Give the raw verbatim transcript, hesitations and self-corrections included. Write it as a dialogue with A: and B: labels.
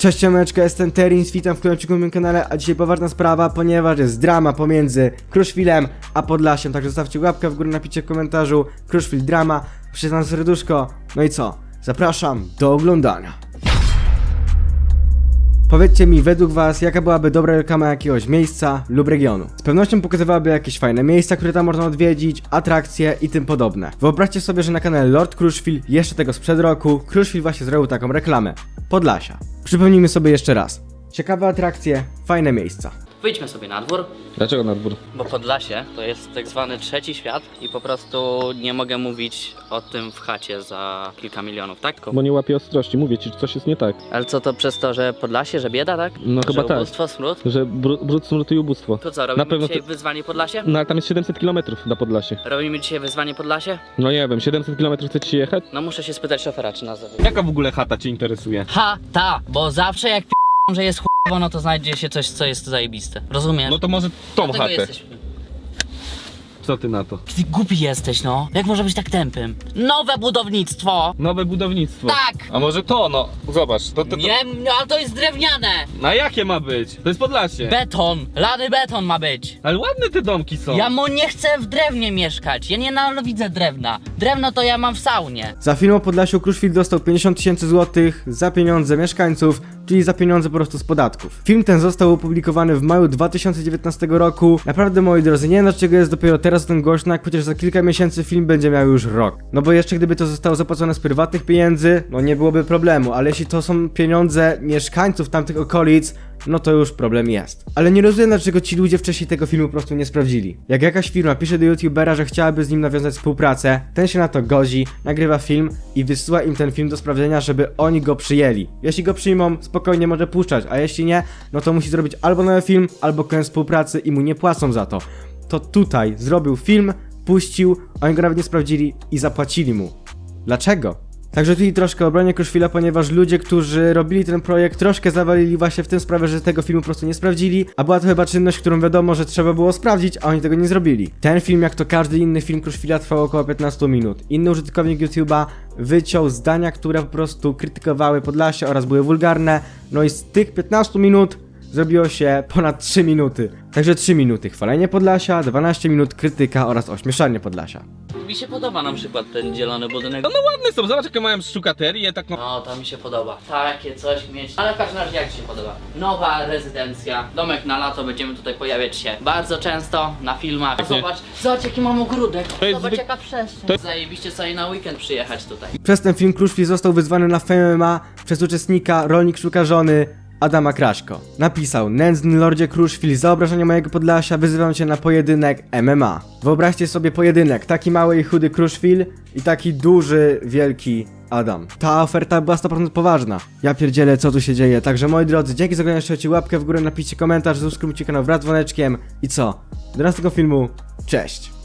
A: Cześć ciomeczka, jestem Terins, witam w kolejnym na moim kanale, a dzisiaj poważna sprawa, ponieważ jest drama pomiędzy Kruszwilem a Podlasiem, także zostawcie łapkę w górę, napiszcie w komentarzu Kruszwil drama, przyznam serduszko, no i co? Zapraszam do oglądania. Powiedzcie mi, według was, jaka byłaby dobra reklama jakiegoś miejsca lub regionu? Z pewnością pokazywałaby jakieś fajne miejsca, które tam można odwiedzić, atrakcje i tym podobne. Wyobraźcie sobie, że na kanale Lord Kruszwil, jeszcze tego sprzed roku, Kruszwil właśnie zrobił taką reklamę. Podlasia. Przypomnijmy sobie jeszcze raz. Ciekawe atrakcje, fajne miejsca.
B: Wyjdźmy sobie na dwór.
C: Dlaczego na dwór?
B: Bo Podlasie to jest tak zwany trzeci świat i po prostu nie mogę mówić o tym w chacie za kilka milionów, tak?
C: Bo nie łapie ostrości, mówię ci, że coś jest nie tak.
B: Ale co to przez to, że Podlasie, że bieda, tak?
C: No
B: że
C: chyba tak.
B: ubóstwo, smród?
C: Że br brud, smród i ubóstwo.
B: To co, robimy
C: Na pewno
B: dzisiaj
C: to-
B: wyzwanie Podlasie?
C: No ale tam jest siedemset kilometrów na Podlasie.
B: Robimy dzisiaj wyzwanie Podlasie?
C: No nie wiem, siedemset kilometrów chcecie jechać?
B: No muszę się spytać szofera, czy nas zawiedzie.
C: Jaka w ogóle chata cię interesuje?
B: Ha, ta, bo zawsze jak p***ą, że jest chujowo, no to znajdzie się coś, co jest zajebiste. Rozumiesz?
C: No to może tą
B: Dlatego
C: chatę.
B: jesteśmy.
C: Co ty na to?
B: Ty głupi jesteś, no. Jak może być tak tępym? Nowe budownictwo!
C: Nowe budownictwo.
B: Tak!
C: A może to, no. Zobacz, to, to, to...
B: Nie, no, ale to jest drewniane!
C: Na jakie ma być? To jest Podlasie.
B: Beton, lany beton ma być.
C: Ale ładne te domki są.
B: Ja mu nie chcę w drewnie mieszkać. Ja nie nienawidzę drewna. Drewno to ja mam w saunie.
A: Za film o Podlasiu Kruszwil dostał pięćdziesiąt tysięcy złotych za pieniądze mieszkańców, czyli za pieniądze po prostu z podatków. Film ten został opublikowany w maju dwa tysiące dziewiętnastego roku. Naprawdę, moi drodzy, nie wiem dlaczego jest dopiero teraz o tym głośno, jak przecież za kilka miesięcy film będzie miał już rok. No bo jeszcze gdyby to zostało zapłacone z prywatnych pieniędzy, no nie byłoby problemu, ale jeśli to są pieniądze mieszkańców tamtych okolic, no to już problem jest. Ale nie rozumiem, dlaczego ci ludzie wcześniej tego filmu po prostu nie sprawdzili. Jak jakaś firma pisze do youtubera, że chciałaby z nim nawiązać współpracę, ten się na to godzi, nagrywa film i wysyła im ten film do sprawdzenia, żeby oni go przyjęli. Jeśli go przyjmą, spokojnie może puszczać, a jeśli nie, no to musi zrobić albo nowy film, albo koniec współpracy i mu nie płacą za to. To tutaj zrobił film, puścił, oni go nawet nie sprawdzili i zapłacili mu. Dlaczego? Także tutaj troszkę obronię Kruszwila, ponieważ ludzie, którzy robili ten projekt, troszkę zawalili właśnie w tym sprawę, że tego filmu po prostu nie sprawdzili, a była to chyba czynność, którą wiadomo, że trzeba było sprawdzić, a oni tego nie zrobili. Ten film, jak to każdy inny film Kruszwila, trwał około piętnaście minut. Inny użytkownik YouTube'a wyciął zdania, które po prostu krytykowały Podlasie oraz były wulgarne, no i z tych piętnastu minut zrobiło się ponad trzy minuty. Także trzy minuty chwalenie Podlasia, dwanaście minut krytyka oraz ośmieszanie Podlasia.
B: Mi się podoba na przykład ten zielony budynek.
C: No, no ładne są, zobacz jakie mają szukaterię, tak no.
B: No, to mi się podoba. Takie coś mieć. Ale w każdym razie jak ci się podoba? Nowa rezydencja. Domek na lato, będziemy tutaj pojawiać się bardzo często na filmach.
C: Pewnie.
B: Zobacz, zobacz jaki mam ogródek.
C: To jest
B: Zobacz
C: zwyk-
B: jaka przestrzeń.
C: to-
B: Zajebiście sobie na weekend przyjechać tutaj.
A: Przez ten film Kruszwil został wyzwany na Fame M M A przez uczestnika Rolnik Szuka Żony Adama Kraśko. Napisał: nędzny lordzie Kruszwil, za obrażenie mojego Podlasia wyzywam cię na pojedynek M M A. Wyobraźcie sobie pojedynek, taki mały i chudy Kruszwil i taki duży, wielki Adam. Ta oferta była sto procent poważna. Ja pierdzielę, co tu się dzieje. Także moi drodzy, dzięki za oglądanie, trzymajcie łapkę w górę, napiszcie komentarz, subskrybujcie kanał wraz z dzwoneczkiem i co? Do następnego filmu, cześć!